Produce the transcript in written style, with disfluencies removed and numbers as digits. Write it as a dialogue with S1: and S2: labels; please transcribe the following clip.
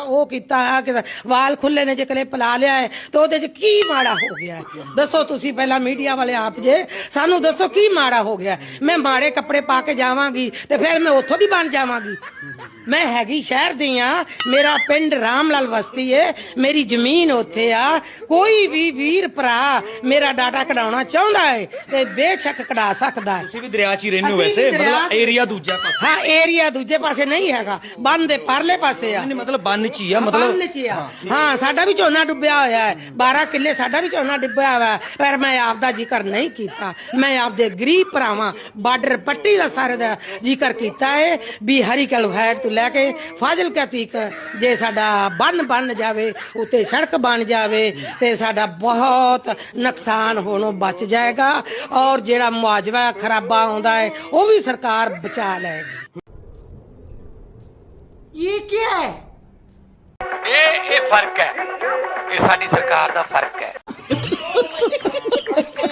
S1: ਉਹ ਕੀਤਾ ਆ ਕਿ ਵਾਲ ਖੁੱਲੇ ਨੇ ਜੇ ਕਲਿੱਪ ਲਾ ਲਿਆ ਹੈ ਤੇ ਉਹਦੇ 'ਚ ਕੀ ਮਾੜਾ ਹੋ ਗਿਆ ਹੈ? ਦੱਸੋ ਤੁਸੀਂ ਪਹਿਲਾਂ ਮੀਡੀਆ ਵਾਲੇ ਆਪ ਜੇ ਸਾਨੂੰ ਦੱਸੋ ਕੀ ਮਾੜਾ ਹੋ ਗਿਆ? ਮੈਂ ਮਾੜੇ ਕੱਪੜੇ ਪਾ ਕੇ ਜਾਵਾਂਗੀ ਤੇ ਫਿਰ ਮੈਂ ਉੱਥੋਂ ਦੀ ਬਣ ਜਾਵਾਂਗੀ? ਮੈਂ ਹੈਗੀ ਸ਼ਹਿਰ ਦੀ ਆ, ਮੇਰਾ ਪਿੰਡ ਰਾਮਲਾਲ ਬਸਤੀ ਏ, ਮੇਰੀ ਜ਼ਮੀਨ ਉੱਥੇ ਆ। ਕੋਈ ਵੀ ਵੀਰ ਭਰਾ ਮੇਰਾ ਡਾਟਾ ਕਢਾਉਣਾ ਚਾਹੁੰਦਾ ਹੈ ਤੇ ਬੇਸ਼ੱਕ ਕਢਾ ਸਕਦਾ ਹੈ।
S2: ਤੁਸੀਂ ਵੀ ਦਰਿਆ 'ਚ ਹੀ ਰਹਿੰਦੇ ਹੋ ਵੈਸੇ, ਮਤਲਬ ਏਰੀਆ ਦੂਜਾ ਪਾਸੇ?
S1: ਹਾਂ, ਏਰੀਆ ਦੂਜੇ ਪਾਸੇ ਨਹੀਂ ਹੈਗਾ, ਬੰਨ ਦੇ ਪਰਲੇ ਪਾਸੇ ਆ।
S2: ਨਹੀਂ ਮਤਲਬ ਬੰਨ 'ਚ ਹੀ ਆ, ਮਤਲਬ
S1: ਬੰਨ 'ਚ ਹੀ ਆ। ਹਾਂ, ਸਾਡਾ ਵੀ ਝੋਨਾ ਡੁੱਬਿਆ ਹੋਇਆ ਹੈ, 12 ਕਿੱਲੇ ਸਾਡਾ ਵੀ ਝੋਨਾ ਡੁੱਬਿਆ ਹੋਇਆ ਹੈ, ਪਰ ਮੈਂ ਆਪਦਾ ਜ਼ਿਕਰ ਨਹੀਂ ਕੀਤਾ। ਮੈਂ ਆਪਦੇ ਗਰੀਬ ਭਰਾਵਾਂ ਬਾਰਡਰ ਪੱਟੀ ਦਾ ਸਾਰੇ ਦਾ ਜ਼ਿਕਰ ਕੀਤਾ ਹੈ ਵੀ ਹਰੀਕਲ ਵੈਟ ਤੋਂ ਲੈ ਕੇ ਫਾਜ਼ਿਲਕਾ ਤੀਕ ਜੇ ਸਾਡਾ ਬੰਨ ਬਣ ਜਾਵੇ, ਉੱਤੇ ਸੜਕ ਬਣ ਜਾਵੇ ਤੇ ਸਾਡਾ ਬਹੁਤ ਨੁਕਸਾਨ ਹੋਣੋਂ ਬਚ ਜਾਏਗਾ ਔਰ ਜਿਹੜਾ ਮੁਆਵਜ਼ਾ ਖਰਾਬਾ ਆਉਂਦਾ ਹੈ ਉਹ ਵੀ ਸਰਕਾਰ ਬਚਾ ਲਏਗੀ।
S3: ਇਹ ਕੀ ਹੈ?
S4: ਇਹ ਫਰਕ ਹੈ, ਇਹ ਸਾਡੀ ਸਰਕਾਰ ਦਾ ਫਰਕ ਹੈ।